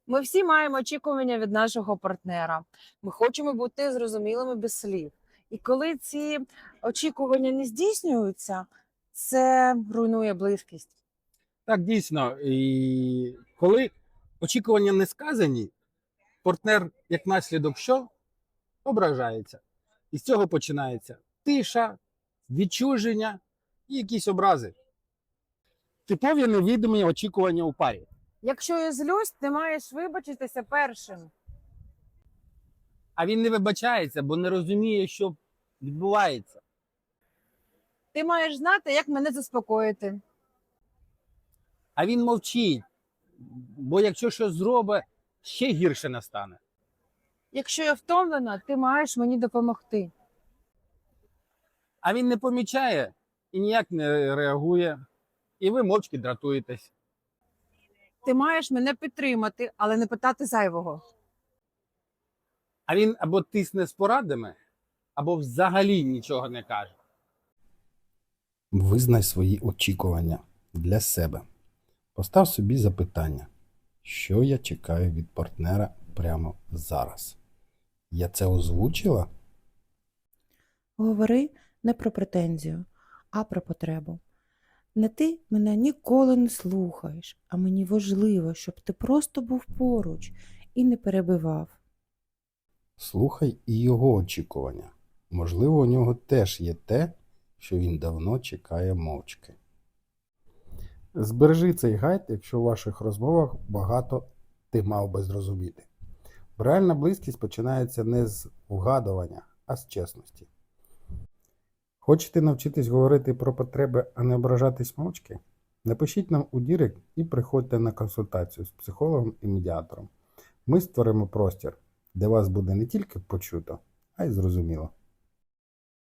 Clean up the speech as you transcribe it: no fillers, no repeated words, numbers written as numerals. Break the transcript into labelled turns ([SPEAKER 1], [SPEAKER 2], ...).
[SPEAKER 1] Ми всі маємо очікування від нашого партнера. Ми хочемо бути зрозумілими без слів. І коли ці очікування не здійснюються, це руйнує близькість.
[SPEAKER 2] Так, дійсно. І коли очікування не сказані, партнер, як наслідок, що ображається. І з цього починається тиша, відчуження і якісь образи. Типові невідомі очікування у парі.
[SPEAKER 1] Якщо я злюсь, ти маєш вибачитися першим.
[SPEAKER 2] А він не вибачається, бо не розуміє, що відбувається.
[SPEAKER 1] Ти маєш знати, як мене заспокоїти.
[SPEAKER 2] А він мовчить, бо якщо щось зробить, ще гірше настане.
[SPEAKER 1] Якщо я втомлена, ти маєш мені допомогти.
[SPEAKER 2] А він не помічає і ніяк не реагує, і ви мовчки дратуєтесь.
[SPEAKER 1] Ти маєш мене підтримати, але не питати зайвого.
[SPEAKER 2] А він або тисне з порадами, або взагалі нічого не каже.
[SPEAKER 3] Визнай свої очікування для себе. Постав собі запитання, що я чекаю від партнера прямо зараз. Я це озвучила?
[SPEAKER 4] Говори не про претензію, а про потребу. Не ти мене ніколи не слухаєш, а мені важливо, щоб ти просто був поруч і не перебивав.
[SPEAKER 3] Слухай і його очікування. Можливо, у нього теж є те, що він давно чекає мовчки. Збережи цей гайд, якщо у ваших розмовах багато ти мав би зрозуміти. Реальна близькість починається не з вгадування, а з чесності. Хочете навчитись говорити про потреби, а не ображатись мовчки? Напишіть нам у Дірект і приходьте на консультацію з психологом і медіатором. Ми створимо простір, де вас буде не тільки почуто, а й зрозуміло.